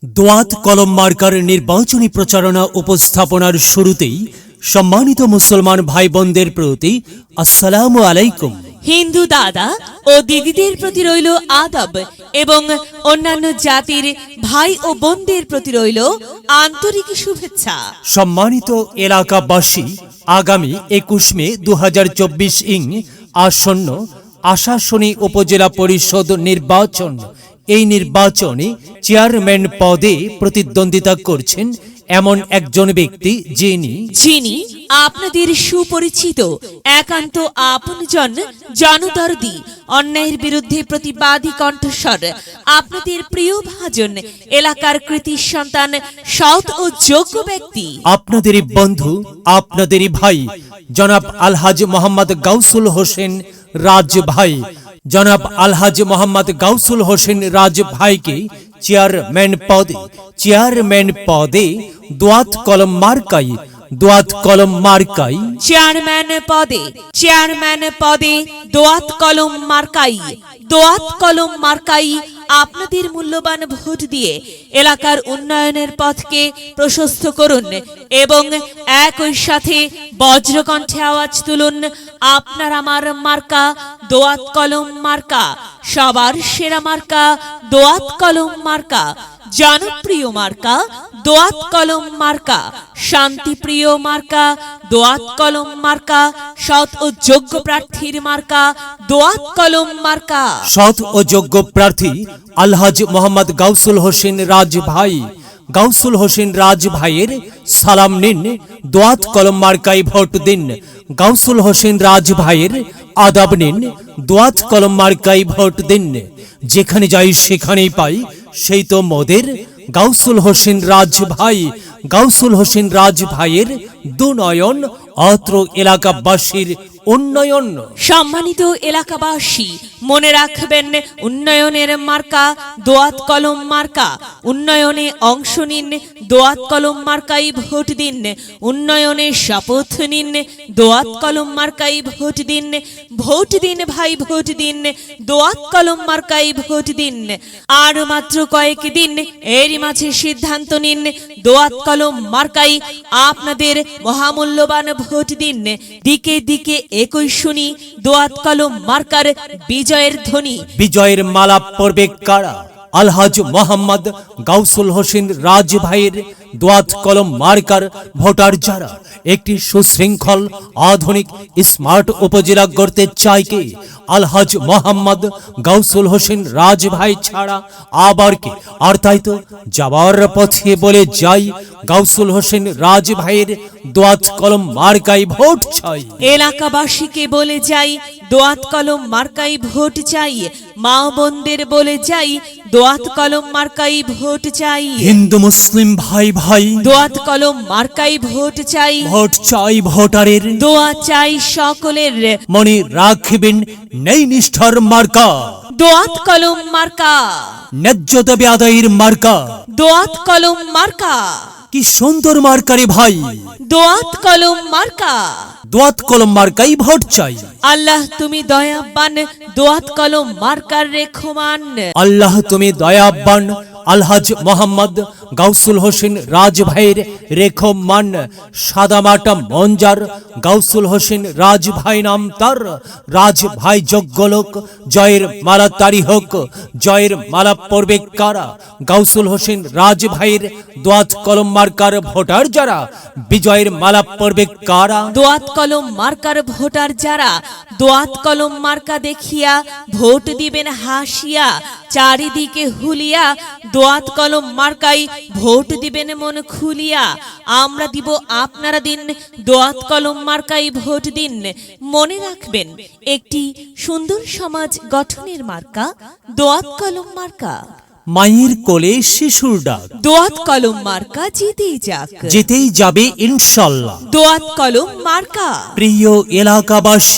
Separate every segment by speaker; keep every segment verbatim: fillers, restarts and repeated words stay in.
Speaker 1: দোয়াত কলম মার্কার নির্বাচনী প্রচারণা উপস্থাপনার শুরুতেই সম্মানিত মুসলমান ভাই বোনদের প্রতি আসসালামু আলাইকুম।
Speaker 2: হিন্দু দাদা ও দিদিদের প্রতি রইল আদব এবং অন্যান্য জাতির ভাই ও বোনদের প্রতি রইল আন্তরিক শুভেচ্ছা।
Speaker 1: সম্মানিত এলাকাবাসী, আগামী একুশ মে দু হাজার চব্বিশ ইং আসন্ন আশাশুনি উপজেলা পরিষদ নির্বাচন। এই নির্বাচনে চেয়ারম্যান পদে প্রতিদ্বন্দ্বিতা করছেন এমন একজন ব্যক্তি যিনি
Speaker 2: যিনি আপনাদের সুপরিচিত একান্ত আপনজন, জনদরদি, অন্যায়ের বিরুদ্ধে প্রতিবাদী কণ্ঠস্বর, আপনাদের প্রিয় ভাজন, এলাকার কৃতি সন্তান, সৎ ও যোগ্য ব্যক্তি,
Speaker 1: আপনাদেরই বন্ধু, আপনাদেরই ভাই জনাব আলহাজ মোহাম্মদ গাউসুল হোসেন রাজ ভাই। জনাব আলহাজ মোহাম্মদ গাউসুল হোসেন রাজ ভাইকে চেয়ারম্যান পদে চেয়ারম্যান পদে দোয়াত কলম মার্কাই দোয়াত কলম মার্কাই
Speaker 2: চেয়ারম্যান পদে চেয়ারম্যান পদে দোয়াত কলম মার্কাই দোয়াত কলম মার্কাই আপনাদের মূল্যবান ভোট দিয়ে এলাকার উন্নয়নের পথকে প্রশস্ত করুন এবং একই সাথে বজ্রকণ্ঠে আওয়াজ তুলুন, আপনার আমার মার্কা দোয়াত কলম মার্কা, সবার সেরা মার্কা দোয়াত কলম মার্কা, জনপ্রিয় মার্কা দোয়াত কলম মার্কা, শান্তিপ্রিয় মার্কা দোয়াত কলম মার্কা, সৎ ও যোগ্য প্রার্থীর মার্কা দোয়াত কলম মার্কা।
Speaker 1: সৎ ও যোগ্য প্রার্থী আলহাজ মোহাম্মদ গাউসুল হোসেন রাজ ভাই। গাউসুল হোসেন রাজ ভাইয়ের সালাম নিন, দোয়াত কলম মার্কাই ভোট দিন। গাউসুল হোসেন রাজ ভাইয়ের আদাব নিন, দোয়াত কলম মার্কাই ভোট দিন। যেখানে যাই সেখানেই পাই সেই তো মোদের গাউসুল হোসেন রাজ ভাই। গাউসুল হোসেন রাজ ভাইয়ের দুনয়ন, অত্র এলাকাবাসীর উন্নয়ন।
Speaker 2: সম্মানিত এলাকাবাসী, মনে রাখবেন, উন্নয়নের মার্কা দোয়াত কলম মার্কা। উন্নয়নে অংশ নিন, দোয়াত কলম মার্কাই ভোট দিন। উন্নয়নে শপথ নিন, দোয়াত কলম মার্কাই ভোট দিন। ভোট দিন ভাই, ভোট দিন, দোয়াত কলম মার্কাই ভোট দিন। আর মাত্র কয়েক দিন, এরই মাঝে সিদ্ধান্ত নিন, দোয়াত কলম মার্কাই আপনাদের মহামূল্যবান ভোট দিন। দিকে দিকে একই শুনি দোয়াত কলম মার্কার বিজয়ের ধ্বনি।
Speaker 1: বিজয়ের মালা পড়বে কারা? আলহাজ মোহাম্মদ গাউসুল হোসেন রাজ ভাইয়ের দোয়াত কলম মার্কার ভোটার যারা একটি সুশৃঙ্খল, আধুনিক, স্মার্ট উপজেলা গড়তে চায় কে? আলহাজ মোহাম্মদ গাউসুল হোসেন রাজ ভাই ছাড়া আবার কে? আর তাই তো যাবার পথে বলে যাই, গাউসুল হোসেন রাজ ভাইয়ের দোয়াত কলম মার্কাই ভোট চাই।
Speaker 2: এলাকাবাসীকে বলে যাই, দোয়াত কলম মার্কাই ভোট চাই। মা বোনদের বলে যাই, দোয়াত কলম মার্কাই ভোট চাই।
Speaker 1: হিন্দু মুসলিম ভাই ভাই,
Speaker 2: দোয়াত কলম মার্কাই ভোট চাই।
Speaker 1: ভোট চাই ভোটারের,
Speaker 2: দোয়া চাই সকলের।
Speaker 1: মনে রাখবেন, নেই নিষ্ঠার মার্কা
Speaker 2: দোয়াত কলম মার্কা,
Speaker 1: ন্যায্য দাবি আদায়ের মার্কা।
Speaker 2: দোয়াত কলম মার্কা,
Speaker 1: কি সুন্দর মার্কারে ভাই,
Speaker 2: দোয়াত কলম মার্কা।
Speaker 1: দোয়াত কলম মার্কাই ভোট চাই।
Speaker 2: আল্লাহ তুমি দয়াবান, দোয়াত কলম মার্কার রেখমান।
Speaker 1: আল্লাহ তুমি দয়াবান, আলহাজ মোহাম্মদ গাউসুল হোসেন রাজ ভাইয়ের রেখমান। সাদামাটা মঞ্জার গাউসুল হোসেন রাজ ভাই নাম তার। রাজ ভাই যোগ্য লোক, জয়ের মালা তারি হোক। জয়ের মালা পড়বে কারা? গাউসুল হোসেন রাজ ভাইয়ের দোয়াত কলম মার্কার ভোটার যারা, বিজয়ের মালা পড়বে কারা?
Speaker 2: দোয়াত কলম মার্কার ভোটার যারা, দোয়াত কলম মার্কা দেখিয়া ভোট দিবেন হাসিয়া। চারিদিকে হুলিয়া দোয়াত কলম মার্কাই ভোট দিবেন মন খুলিয়া। আমরা দিব, আপনারা দিন, দোয়াত কলম মার্কাই ভোট দিন। মনে রাখবেন, একটি সুন্দর সমাজ গঠনের মার্কা দোয়াত কলম মার্কা।
Speaker 1: মায়ের কোলে শিশুর ডাক,
Speaker 2: দোয়াত কলম মার্কা জিতেই যাক,
Speaker 1: যেতেই যাবে ইনশাল্লাহ।
Speaker 2: দোয়াত কলম মার্কা।
Speaker 1: প্রিয় এলাকাবাসী,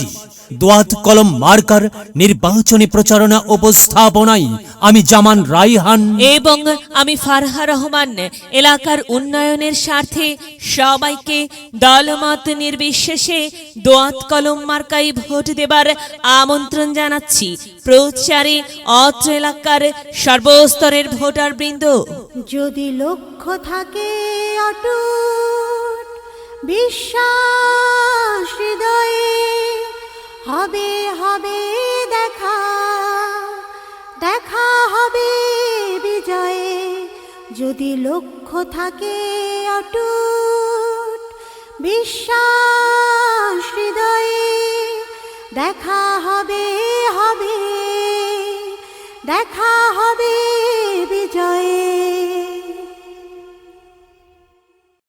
Speaker 1: দোয়াত কলম মার্কার নির্বাচনী প্রচারণা উপস্থাপনায় আমি জামান রাইহান
Speaker 2: এবং আমি ফারহা রহমান এলাকার উন্নয়নের স্বার্থে সবাইকে দলমত নির্বিশেষে দোয়াত কলম মার্কায় ভোট দেবার আমন্ত্রণ জানাচ্ছি। প্রচারে অত্র এলাকার সর্বস্তরের ভোটার বৃন্দ।
Speaker 3: যদি লক্ষ্য থাকে অটুট বিশ্বাস হৃদয়ে, হবে হবে দেখা, দেখা হবে বিজয়ে। যদি লক্ষ্য থাকে অটুট বিশ্বাস হৃদয়ে, দেখা হবে হবে, দেখা হবে